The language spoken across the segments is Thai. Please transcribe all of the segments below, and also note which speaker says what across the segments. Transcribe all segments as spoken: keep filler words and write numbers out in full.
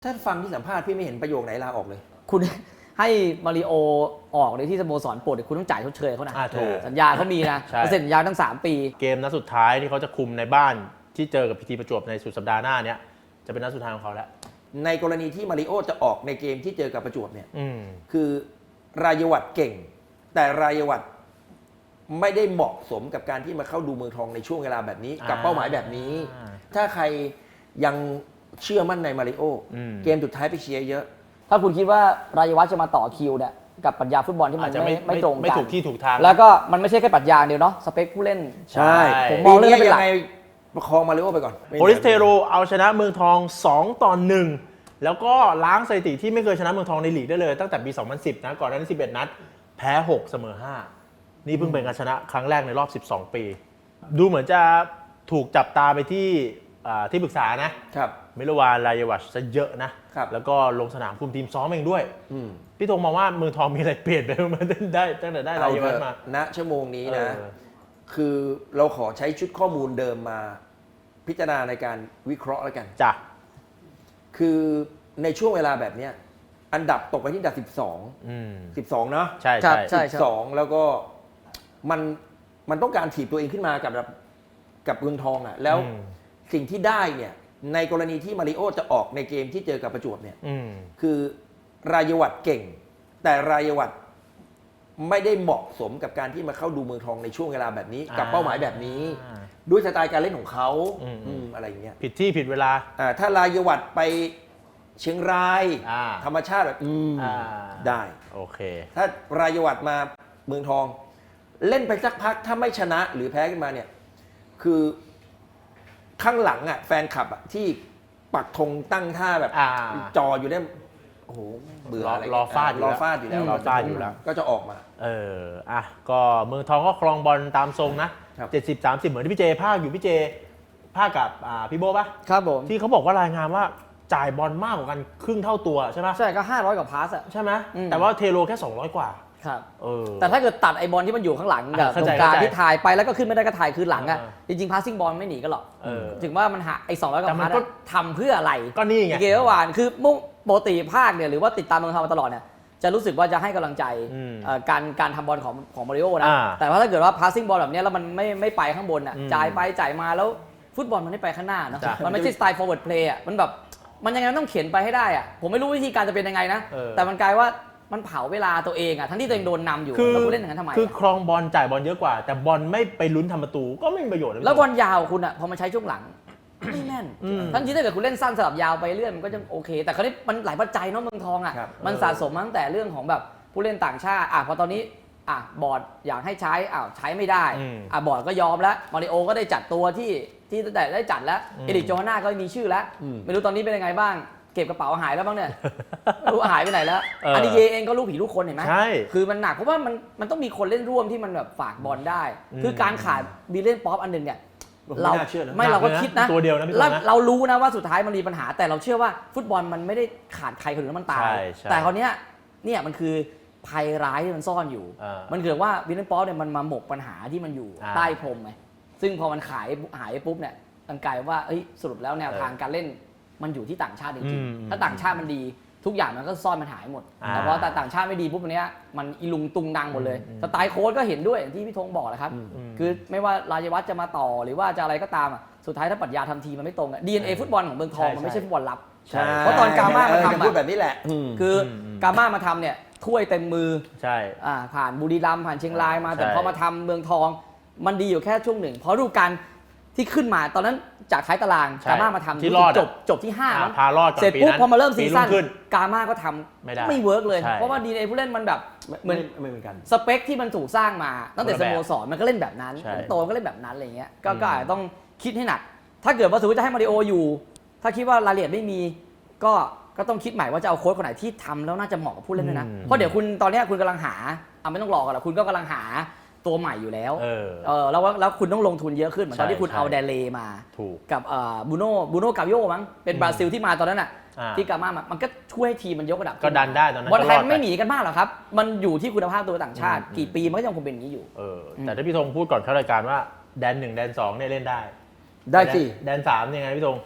Speaker 1: ถ้าฟังที่สัมภาษณ์พี่ไม่เห็นประโยคไหนลาออกเลย
Speaker 2: คุณให้มาริโอออกในที่สโมสรโปรดคุณต้องจ่ายชดเชยเขานะสัญญาเขามีนะเซ็นสัญญาตั้งสามปี
Speaker 3: เกมนัดสุดท้ายที่เขาจะคุมในบ้านที่เจอกับพีทีประจวบในสุดสัปดาห์หน้าเนี้ยจะเป็นนัดสุดท้ายของเขาแล้ว
Speaker 1: ในกรณีที่มาริโอจะออกในเกมที่เจอกับประจวบเนี่ยคือรายวัฒน์เก่งแต่รายวัฒน์ไม่ได้เหมาะสมกับการที่มาเข้าดูเมืองทองในช่วงเวลาแบบนี้กับเป้าหมายแบบนี้ถ้าใครยังเชื่อมั่นในมาริโอเกมสุดท้ายไปเชียร์เยอะ
Speaker 2: ถ้าคุณคิดว่ารายวัฒน์จะมาต่อคิวเนี่ยกับปรัชญาฟุตบอลที่มันไม่ไม่ตรงกัน
Speaker 3: ไม่ถูกที่ถูกทาง
Speaker 2: แล้วก็มันไม่ใช่แค่ปรัชญาเดียวเนาะสเปคผู้เล่น
Speaker 1: ใช่
Speaker 2: ผมมองเรื่องนี้เป็นหลัก
Speaker 1: ประคองมาริโอไปก่อน
Speaker 3: โปลิสเทโรเอาชนะเมืองทองสองต่อหนึ่งแล้วก็ล้างสถิติที่ไม่เคยชนะเมืองทองในลีกได้เลยตั้งแต่ปีสองพันสิบนะก่อนหน้านี้สิบเอ็ดนัดแพ้หกเสมอห้านี่เพิ่งเป็นการชนะครั้งแรกในรอบสิบสองปีดูเหมือนจะถูกจับตาไปที่ที่ปรึกษานะครับมิลวานรายวัชซะเยอะนะแล้วก็ลงสนามคุมทีมซ้อมเองด้วยพี่ธงมองว่าเมืองทองมีอะไรเปลี่ยนไปมาได้ตั้งแต่ได้รายวัชมา
Speaker 1: ณชั่วโมงนี้นะคือเราขอใช้ชุดข้อมูลเดิมมาพิจารณาในการวิเคราะห์แล้วกัน
Speaker 3: จ้ะ
Speaker 1: คือในช่วงเวลาแบบนี้อันดับตกไปที่อันดับสิบสอง สิบสองเนาะ
Speaker 3: ใช่ใช่
Speaker 1: ใช่สิบสองแล้วก็มันมันต้องการถีบตัวเองขึ้นมากับกับเมืองทองอ่ะแล้วสิ่งที่ได้เนี่ยในกรณีที่มาริโอจะออกในเกมที่เจอกับประจวบเนี่ยคือรายวัฒน์เก่งแต่รายวัฒน์ไม่ได้เหมาะสมกับการที่มาเข้าดูเมืองทองในช่วงเวลาแบบนี้กับเป้าหมายแบบนี้ด้วยสไตล์การเล่นของเขาอะไรอย่างเงี้ย
Speaker 3: ผิดที่ผิดเวลา
Speaker 1: ถ้ารายวัฒน์ไปเชียงรายธรรมชาติแบบได้
Speaker 3: โอเค
Speaker 1: ถ้ารายวัฒน์มาเมืองทองเล่นไปสักพักถ้าไม่ชนะหรือแพ้ขึ้นมาเนี่ยคือข้างหลังอ่ะแฟนคลับอ่ะที่ปักธงตั้งท่าแบบจออยู่ได้โอ้โหเบื่ออะไร
Speaker 3: รอฟาด
Speaker 1: รอฟาดอยู่แล้ว
Speaker 3: รอฟาดอยู่แล้ว
Speaker 1: ก็จะออกมา
Speaker 3: เอออ่ะก็เมืองทองก็ครองบอลตามทรงนะเจ็ดสิบ สามสิบเหมือนที่พี่เจภาคอยู่พี่เจภาคกับพี่โบป่ะ
Speaker 2: ครับผม
Speaker 3: ที่เขาบอกว่ารายงานว่าจ่ายบอลมากกว่ากันครึ่งเท่าตัวใช่ไหม
Speaker 2: ใช่ก็ห้าร้อยกว่าพาสอ่ะ
Speaker 3: ใช่ไหมแต่ว่าเทโลแค่สองร้อยกว่า
Speaker 2: ครับแต่ถ้าเกิดตัดไอบอลที่มันอยู่ข้างหลังกับตรงกลางที่ถ่ายไปแล้วก็ขึ้นไม่ได้ก็ถ่ายคืนหลังอ่ะจริงๆพาสซิ่งบอลไม่หนีกันหรอกถึงว่ามันหาไอ้สองร้อยกว่าพาสทำเพื่ออะไร
Speaker 3: ก็นี่ไง
Speaker 2: เกมเมื่อวานคือมุ่งปกติภาคเนี่ยหรือว่าติดตามเมืองทองมาตลอดเนี่ยจะรู้สึกว่าจะให้กำลังใจการการทำบอลของของมาริโอนะแต่ว่าถ้าเกิดว่าพาสซิ่งบอลแบบนี้แล้วมันไม่ไม่ไปข้างบนอ่ะจ่ายไปจ่ายมาแล้วฟุตบอลมันไม่ไปข้างหน้าเนาะมันไม่ใช่สไตล์ forward play อ่ะมันแบบมันยังไงต้องเขียนไปให้ได้อ่ะผมไม่รู้วิธีการจะเป็นยังไงนะแต่มันกลายว่ามันเผาเวลาตัวเองอ่ะทั้งที่ตัวเองโดนนำอยู่แล้วคุณเล่นอย่างนั้นทำไม
Speaker 3: คือครองบอลจ่ายบอลเยอะกว่าแต่บอลไม่ไปลุ้นทำประตูก็ไม่มีประโยชน์
Speaker 2: แล้วบอลยาวคุณอ่ะพอมาใช้ช่วงหลังไม่แม่นทั้งที่ถ้าเกิดคุณเล่นสั้นสลับยาวไปเรื่อยมันก็จะโอเคแต่คราวนี้มันหลายปัจจัยเนาะเมืองทองอ่ะมันสะสมมาตั้งแต่เรื่องของแบบผู้เล่นต่างชาติอ่ะพอตอนนี้อ่ะบอร์ดอยากให้ใช้อ้าวใช้ไม่ได้อ่ะบอร์ดก็ยอมแล้วมาริโอก็ได้จัดตัวที่ที่ตั้งแต่ได้จัดแล้วเอริกโจฮาน่าก็มีชื่อแล้วไม่รู้ตอนนี้เป็นยังไงบ้างเก็บกระเป๋าหายแล้วบ้างเนี่ยรู้หายไปไหนแล้วอันนี้เยเองก็ลูกผีลูกคนเห็นไหม
Speaker 3: ใช่
Speaker 2: คือมันหนักเพราะว่ามันมันต้องมีคนเล่นร่วมที่มันแบบฝากบอลได้คือการขาดบีเล่นป๊อปอันหนึ่งเนี่ยเราไม่เราก็คิดนะ
Speaker 3: ตัวเดียวนะพี่
Speaker 2: แล้วเรารู้นะว่าสุดท้ายมันมีปัญหาแต่เราเชื่อว่าฟุตบอลมันไม่ได้ขาดใครคนอื่นแล้วมันตายแต่คราวนี้เนี่ยมันคือภัยร้ายที่มันซ่อนอยู่มันเกิดว่าบีเล่นป๊อปเนี่ยมันมาหมกปัญหาที่มันอยู่ใต้พรมไงซึ่งพอมันขายหายปุ๊บเนี่ยมันกลายว่าเอ้ยสรุปแล้วแนวทางการเล่นมันอยู่ที่ต่างชาติจริงๆถ้าต่างชาติมันดีทุกอย่างมันก็ซ่อนมันหายหมดแต่พอแต่ต่างชาติไม่ดีปุ๊บวันนี้มันอีลุงตุงดังหมดเลยสไตล์โค้ชก็เห็นด้วยอย่างที่พี่ธงบอกแหละครับคือไม่ว่ารายวัฒน์จะมาต่อหรือว่าจะอะไรก็ตามสุดท้ายถ้าปรัชญาทำทีมันไม่ตรง ดี เอ็น เอ ฟุตบอลของเมืองทองมันไม่ใช่ฟุตบอลลับเพราะตอนกาม่ามาทำ
Speaker 1: พูดแบบนี้แหละ
Speaker 2: คือกาม่ามาทำเนี่ยถ้วยเต็มมือ
Speaker 3: ใช่
Speaker 2: ผ่านบุรีรัมย์ผ่านเชียงรายมาแต่พอมาทำเมืองทองมันดีอยู่แค่ช่วงหนึ่งเพราะดูการที่ขึ้นมาตอนนั้นจากท้ายตารางกาม่ามาทำ
Speaker 3: ที่จ
Speaker 2: บจบที่ห้า
Speaker 3: พารอด
Speaker 2: เสร็จปุ๊บพอมาเริ่มซีซั่นกาม่าก็ทำไม่เวิร์กเลยเพราะว่าดีเอผู้เล่นมันแบบ
Speaker 1: เหมือนไม่เหมือนกัน
Speaker 2: สเปคที่มันถูกสร้างมาตั้งแต่สโมสรมันก็เล่นแบบนั้นโตก็เล่นแบบนั้นอะไรเงี้ยก็อาจจะต้องคิดให้หนักถ้าเกิดว่าสมมติจะให้มาริโออยู่ถ้าคิดว่ารายละเอียดไม่มีก็ก็ต้องคิดใหม่ว่าจะเอาโค้ชคนไหนที่ทำแล้วน่าจะเหมาะกับผู้เล่นด้วยนะเพราะเดี๋ยวคุณตอนนี้คุณกำลังหาอ่ะไม่ต้องรอกันหรอกคุณก็กำลังหาตัวใหม่อยู่แล้วเออเออแล้วแล้วคุณต้องลงทุนเยอะขึ้นเหมือนตอนที่คุณเอาเดเลมากับเอ่อบูโน่บูโน่กาโยมั้งเป็นบราซิลที่มาตอนนั้นน่ะที่กาม่ามันก็ช่วยให้ทีมมันยกระดับ
Speaker 3: ก็ดันได้ตอนนั้น
Speaker 2: บอลไทยไม่หนีกันมากหรอกครับมันอยู่ที่คุณภาพตัวต่างชาติกี่ปีมันก็ยังคงเป็นอย่างนี้อยู่
Speaker 3: เออแต่ถ้าพี่ธงพูดก่อนเข้ารายการว่าแดนหนึ่งแดนสองเนี่ยเล่นได้
Speaker 1: ได้สิ
Speaker 3: แดนสามยังไงพี่ธง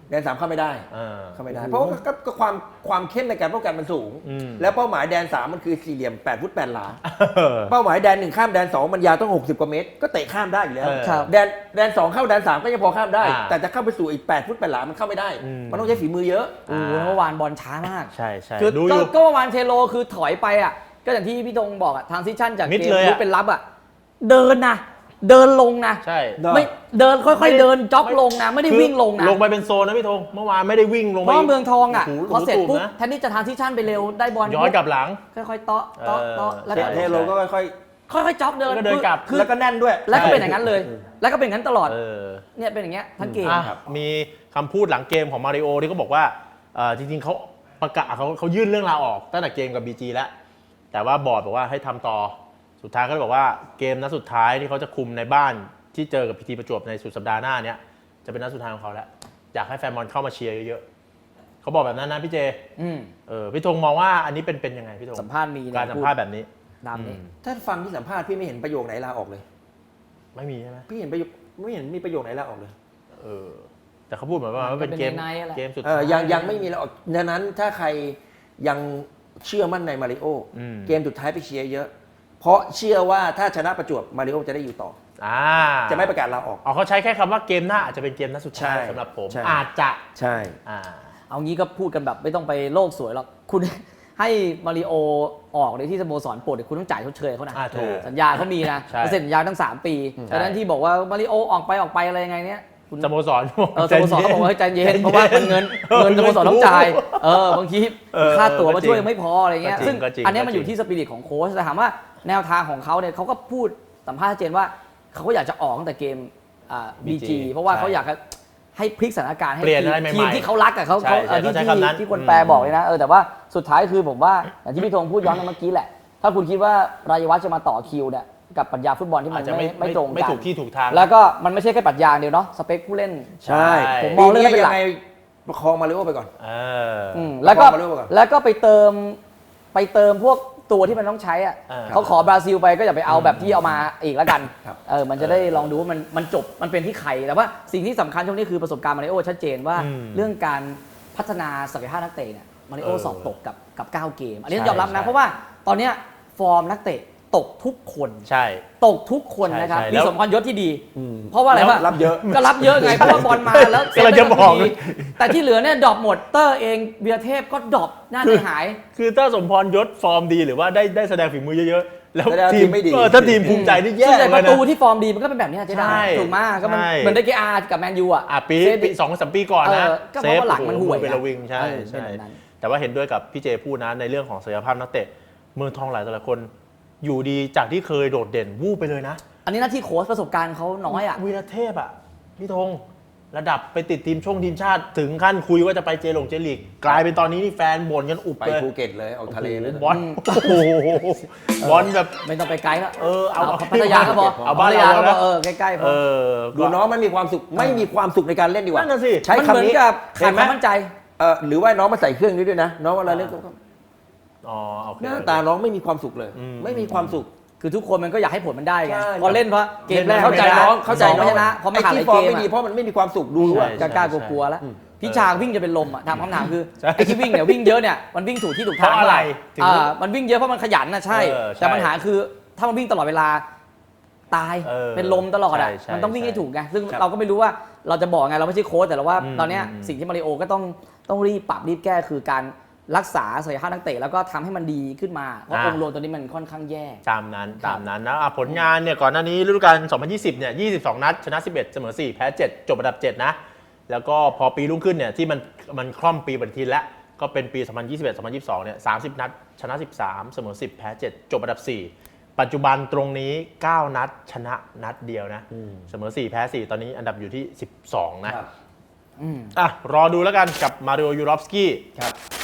Speaker 1: แดนสามเข้าไม่ได้
Speaker 3: เออ
Speaker 1: เข้าไม่ได้ เพราะว่าก็ก็ความความเข้มในการป้องกันมันสูง
Speaker 3: อืม
Speaker 1: แล้วเป้าหมายแดนสามมันคือสี่เหลี่ยมแปดฟุตแปดหลา
Speaker 3: เออ
Speaker 1: เป้าหมายแดนหนึ่งข้ามแดนสองมันยาวต้องหกสิบกว่าเมตรก็เตะข้ามได้อยู่แล้ว
Speaker 3: เออ
Speaker 2: ครับ
Speaker 1: แดนแดนสองเข้าแดนสามก็ยังพอข้ามได้
Speaker 3: อ่า
Speaker 1: แต่จะเข้าไปสู่อีกแปดฟุตแปดหลามันเข้าไม่ได้
Speaker 3: อืม
Speaker 1: มันต้องใช้ฝีมือเยอะ
Speaker 2: โอ้โหเมื่อวานบอลช้ามาก
Speaker 3: ใช่ใช่
Speaker 2: คือ
Speaker 3: ดูอ
Speaker 2: ก็
Speaker 3: ยู่
Speaker 2: ก็เมื่อวานเทโลคือถอยไปอ่ะก็อย่างที่พี่ธงบอกอ่ะทางซิชั่นจาก
Speaker 3: มิด
Speaker 2: เกม
Speaker 3: เลยอะ
Speaker 2: ลุกเป็นรับอ่ะเดินนะเดินลงนะ
Speaker 3: ใช่
Speaker 1: เนอะ
Speaker 2: ไม่เดินค่
Speaker 3: ไม่
Speaker 2: อย
Speaker 3: ได้
Speaker 2: ๆเดินจ็อก
Speaker 3: ไม่
Speaker 2: ลงนะไม่ได้
Speaker 3: คือ
Speaker 2: วิ่งลงนะ
Speaker 3: ลงไปเป็นโซนนะพี่ธงเมื่อวานไม่ได้วิ่งลง
Speaker 2: เพ
Speaker 3: ไป
Speaker 2: ราะว่าเมืองทองอ่ะ
Speaker 3: โโห
Speaker 2: พอเสร็จปุ๊บ
Speaker 3: นะ
Speaker 2: แทนที่จะทางซิชั่นไปเร็วได้บอล
Speaker 3: ย้อนกลับหลัง
Speaker 2: ค่อยๆเตาะเตาะเตาะ
Speaker 3: เออ
Speaker 2: แล้ว
Speaker 3: ใช่
Speaker 2: ก็
Speaker 1: เทโลก็ค่อย
Speaker 2: ค่อยๆจ็อกเดิน
Speaker 3: แล้วก็เดินกลับ
Speaker 2: คือ
Speaker 1: ๆแล้วก็แน่นด้วย
Speaker 2: แล้วก็เป็นอย่างนั้นเลย แล้วก็เป็นอย่างนั้นตลอด
Speaker 3: เออ
Speaker 2: เนี่ยเป็นอย่างเงี้ยทั้งเกม
Speaker 3: อ่ะมีคำพูดหลังเกมของมาริโอที่เขาบอกว่าเอ่อจริงๆเขาประกาศเขาเขายื่นเรื่องลาออกตั้งแต่เกมกับ บี จี แล้ว แต่ว่าบอร์ดบอกว่าให้ทำต่อสุดท้ายเขาเลยบอกว่าเกมนัดสุดท้ายที่เขาจะคุมในบ้านที่เจอกับพีทีประจวบในสุดสัปดาห์หน้าเนี้ยจะเป็นนัดสุดท้ายของเขาแล้วอยากให้แฟนบอลเข้ามาเชียร์เยอะๆเขาบอกแบบนั้นนะพี่เจ
Speaker 2: อืม
Speaker 3: เออพี่ธงมองว่าอันนี้เป็นเป็นยังไงพี่ธง
Speaker 2: สัมภาษณ์มี
Speaker 3: การสัมภาษณ์แบบนี้
Speaker 2: ตามนี้
Speaker 3: อืม
Speaker 1: ถ้าฟังที่สัมภาษณ์พี่ไม่เห็นประโยคไหนลาออกเลย
Speaker 3: ไม่มีใช่ไหม
Speaker 1: พี่เห็นประโยคไม่เห็นมีประโยคไหนลาออกเลย
Speaker 3: เออแต่เขาพูดเหมือนว่ามันเป็นเกม
Speaker 2: เป็นในๆอะแหละ
Speaker 3: เกมสุด
Speaker 1: เออยังยังไม่มีลาออกดังนั้นถ้าใครยังเชื่อมั่นในมาริโอ
Speaker 3: อืม
Speaker 1: เกมสุดท้ายไปเชียร์เยอะ เพราะเชื่อว่าถ้าชนะประจวบมาริโอจะได้อยู่ต่อ
Speaker 3: อ่า
Speaker 1: จะไม่ประกาศลาออก
Speaker 3: อ๋อเขาใช้แค่คำว่าเกมหน้าอาจจะเป็นเกมนัดสุดท้าย
Speaker 1: ใช่
Speaker 3: สำหรับผม
Speaker 1: ใช่
Speaker 3: อาจจะ
Speaker 1: ใช่
Speaker 3: อ่า
Speaker 2: เอางี้ก็พูดกันแบบไม่ต้องไปโลกสวยหรอกคุณ ให้มาริโอออกในที่สโมสรโปรดเนี่ยคุณต้องจ่ายชดเชยเขานะ
Speaker 3: อ่าถูก
Speaker 2: สัญญาเขามีนะ
Speaker 3: ใช่
Speaker 2: เขาเซ็นสัญญาตั้งสามปี
Speaker 3: ใช่
Speaker 2: ดังนั้นที่บอกว่ามาริโอออกไปออกไปอะไรยังไงเนี้ยคุณ
Speaker 3: สโมสร
Speaker 2: เออสโมสรเขาบอกว่าให้ใจเย็นเพราะว่ามันเงินเงินสโมสรต้องจ่ายเออบางที
Speaker 3: เออ
Speaker 2: ค่าตั๋ว
Speaker 3: ก็
Speaker 2: มา
Speaker 3: จริง
Speaker 2: ช่วยยังไม่พออะไรเงี้ย
Speaker 3: ก็จริง
Speaker 2: ซึ่ง
Speaker 3: ก็จริง
Speaker 2: อันเนี้ย
Speaker 3: ก็
Speaker 2: มัน
Speaker 3: จริง
Speaker 2: อยู่ที่สปิริตของโค้ชแต่ถามว่าแนวทางของเขาเนี่ยเขาก็พูดสัมภาษณ์ชัดเจนว่าเขาก็อยากจะออกตั้งแต่เกมอ่า บี จี เพราะว่าเขาอยากจะให้พลิกสถานการณ์ให้
Speaker 3: เปลี่ยนอะไรใหม่ๆ
Speaker 2: ทีมที่เขารักอะเขา
Speaker 3: ใช่
Speaker 2: เขา
Speaker 3: ใช่
Speaker 2: เออที่
Speaker 3: เขาใช้
Speaker 2: ที่
Speaker 3: คำนั้น
Speaker 2: ที่คนแปลบอกเลยนะเออแต่ว่าสุดท้ายคือผมว่าอย่างที่พี่ธงพูดย้อนกันเมื่อกี้แหละ ถ้าคุณคิดว่ารายวัฒน์จะมาต่อคิวเนี่ยกับปรัชญาฟุตบอลที่มั
Speaker 3: อาน จจะไม่
Speaker 2: ไม่ไม่ตรง
Speaker 3: ไม่
Speaker 2: กัน
Speaker 3: ถูกที่ถูกทาง
Speaker 2: แล้วก็มันไม่ใช่แค่ปรัชญาเดียวเนาะสเปคผู้เล่น
Speaker 1: ใช่
Speaker 2: ผมมองเรื่องนั้นเป็นหลัก
Speaker 1: ยังไงประคองมาริโอไปก่อน
Speaker 3: เออ
Speaker 2: อืมแล้วก็
Speaker 1: บอกมาเรื่องก่อน
Speaker 2: แล้วก็ไปเติมไปเติมพวกตัวที่มันต้องใช้อ่ะ
Speaker 3: อ่า
Speaker 2: เขาขอบราซิลไปก็อย่าไปเอาแบบที่เอามาอีกแล้วกัน
Speaker 1: ครับ
Speaker 2: เออมันจะได้ลองดูว่ามันมันจบมันเป็นที่ใครแต่ว่าสิ่งที่สำคัญช่วงนี้คือประสบการณ์มาริโอชัดเจนว่า
Speaker 3: อืม
Speaker 2: เรื่องการพัฒนาศักยภาพนักเตะเนี่ยมาริโอ
Speaker 3: เออ
Speaker 2: สอบตกกับกับเก้าเกม อันนี้
Speaker 3: ใช่
Speaker 2: ต้องยอมรับนะ
Speaker 3: ใช่
Speaker 2: เพราะว่าตอนเนี้ยฟอร์มนักเตะตกทุกคน
Speaker 3: ใช่
Speaker 2: ตกทุกคนนะครับ
Speaker 3: ใช่ใช่
Speaker 2: มี
Speaker 3: แล้ว
Speaker 2: สมพรยศที่ดี เพราะว่าอะไร
Speaker 1: แล้ว
Speaker 2: วะ
Speaker 1: รับเยอะ
Speaker 2: ก็รับเยอะไงเพราะว่าบอลมาแล้ว
Speaker 3: กำลังจะบอก
Speaker 2: เซฟได้ดีแต่ที่เหลือเนี่ยดรอปหมดเตอร์เองเบียร์เทพก็ดรอปหน้าใจหาย
Speaker 3: คือถ้าสมพรยศฟอร์มดีหรือว่าได้ได้แสดงฝีมือเยอะๆ แล้ว
Speaker 1: แสดง
Speaker 3: ที
Speaker 1: ที
Speaker 3: ม
Speaker 1: มไม่ดี
Speaker 3: เออถ้าทีมภูมิใจนี่แย่
Speaker 2: ส่วนใหญ่
Speaker 3: เล
Speaker 2: ป
Speaker 3: ย
Speaker 2: ระ
Speaker 3: นะ
Speaker 2: ตูที่ฟอร์มดีมันก็เป็นแบบเนี้ยเจ๊ดา
Speaker 3: ใช่
Speaker 2: ถูกมากก็มัน
Speaker 3: ใช่
Speaker 2: เหมือนได้เกอาร์กับแมนยูอ่ะ
Speaker 3: อ่ะปี
Speaker 2: เซฟ
Speaker 3: ปีสองสามปีก่อนนะ
Speaker 2: เออก็เพราะว่าหลังมันห่วย
Speaker 3: โอ้โเป็นระวิงใช่
Speaker 2: เออ
Speaker 3: ใช่
Speaker 2: เป็นแบบนั้น
Speaker 3: แต่ว่าเห็นด้วยกับพี่เจพูดนะในเรื่องของศักยภาพนักเตะเมืองทองหลายแต่ละคน อยู่ดีจากที่เคยโดดเด่นวูบไปเลยนะ
Speaker 2: อันนี้หน้าที่โค้ชประสบการณ์เขาน้อยอ่ะ
Speaker 3: วีรเทพอ่ะพี่ธงระดับไปติดทีมช่วงทีมชาติถึงขั้นคุยว่าจะไปเจลงเจลีกกลายเป็นตอนนี้นี่แฟนบ่นกันอุบ
Speaker 1: ไป
Speaker 3: เลย
Speaker 1: ภูเก็ตเลยออกทะเลเลย
Speaker 3: บอลโอ้โหบอลแบบ
Speaker 2: ไม่ต้องไปไกลแล้ว
Speaker 3: เออเอา
Speaker 2: เอาพัทยาก็พอ
Speaker 3: เอาบ้าน
Speaker 2: พัทยา
Speaker 3: เรา
Speaker 2: ก็พอ
Speaker 3: นะ
Speaker 2: เออใกล้ๆพ
Speaker 3: เอ
Speaker 2: อ
Speaker 3: อ
Speaker 1: ดูน้องมันมีความสุขไม่มีความสุขในการเล่นดีกว่า
Speaker 3: นั่นน่ะสิ
Speaker 1: ใช้
Speaker 2: มันเหมื
Speaker 1: คำ
Speaker 2: อน
Speaker 1: นี้
Speaker 2: กับ
Speaker 1: เห็
Speaker 2: ขาด
Speaker 1: นไห
Speaker 2: ค
Speaker 1: ม
Speaker 2: วามมั่นใจ
Speaker 1: เออหรือว่าน้องมาใส่เครื่องนี้ด้วยนะ น้องเวลาเล่นก็
Speaker 3: อ๋อโอเค
Speaker 1: หน้าตาน้องไม่มีความสุขเลย
Speaker 3: อืม
Speaker 1: ไม่มีความสุข
Speaker 2: คือทุกคนมันก็อยากให้ผลมันได้ไง
Speaker 1: ใช่
Speaker 2: พอเล่นเพราะเกมแรก
Speaker 1: เข้าใจน้องเข้าใจ
Speaker 2: ส
Speaker 1: น้อง
Speaker 2: ไม่ชนะพอมาขาดห
Speaker 1: ไอ้
Speaker 2: ลาย
Speaker 1: ที่ฟอ
Speaker 2: เก
Speaker 1: ร์ม
Speaker 2: ม
Speaker 1: ไม่ดี
Speaker 2: อะ
Speaker 1: เพราะมันไม่มีความสุขดูว่า
Speaker 2: กล้าๆกลัวๆแล้ว
Speaker 1: อืม
Speaker 2: พิชาวิ่งจะเป็นลมอ่ะถามคำถามคือ
Speaker 3: ใช่
Speaker 2: ไอ้ที่วิ่งเนี่ยวิ่งเยอะเนี่ยมันวิ่งถูกที่ถูกทาง
Speaker 3: เพราะอะไรถึง
Speaker 2: อ่ามันวิ่งเยอะเพราะมันขยันนะใช่
Speaker 3: เออใช่
Speaker 2: แต่ปัญหาคือถ้ามันวิ่งตลอดเวลาตาย
Speaker 3: เออ
Speaker 2: เป็นลมตลอดอ่ะ
Speaker 3: ใช่ใช่
Speaker 2: มันต้องวิ่งให้
Speaker 3: ใช่
Speaker 2: ถูกไงซึ่ง
Speaker 1: ครับ
Speaker 2: เราก็ไม่รู้ว่าเราจะบอกไงเราไม่ใช่โค้ชแต่เราว่า
Speaker 3: อืม
Speaker 2: ตอนเนี้ย
Speaker 3: อืม
Speaker 2: สิ่งที่มาริโอก็ต้องต้องรีบปรับรีบแก้คือการรักษาศักยภาพนักเตะแล้วก็ทำให้มันดีขึ้นมาเพราะองค์รวมตัวนี้มันค่อนข้างแย่
Speaker 3: ตามนั้น
Speaker 2: ครับ
Speaker 3: ตามนั้นนะอ่ะผลงานเนี่ยก่อนหน้านี้ฤดูกาลสองพันยี่สิบเนี่ยยี่สิบสองนัดชนะสิบเอ็ดเสมอสี่แพ้เจ็ดจบอันดับเจ็ดนะแล้วก็พอปีรุ่งขึ้นเนี่ยที่มันมันคล่อมปีปฏิทินแล้วก็เป็นปีสองพันยี่สิบเอ็ด สองพันยี่สิบสองเนี่ยสามสิบนัดชนะสิบสามเสมอสิบแพ้เจ็ดจบอันดับสี่ปัจจุบันตรงนี้เก้านัดชนะนัดเดียวนะเสมอสี่แพ้สี่ตอนนี้อันดับอยู่ที่สิบสองนะ
Speaker 1: ครับ
Speaker 2: อืม
Speaker 3: อ่ะรอดูแล้วกันกับมาริโอยูรอฟสกี้
Speaker 1: ครับ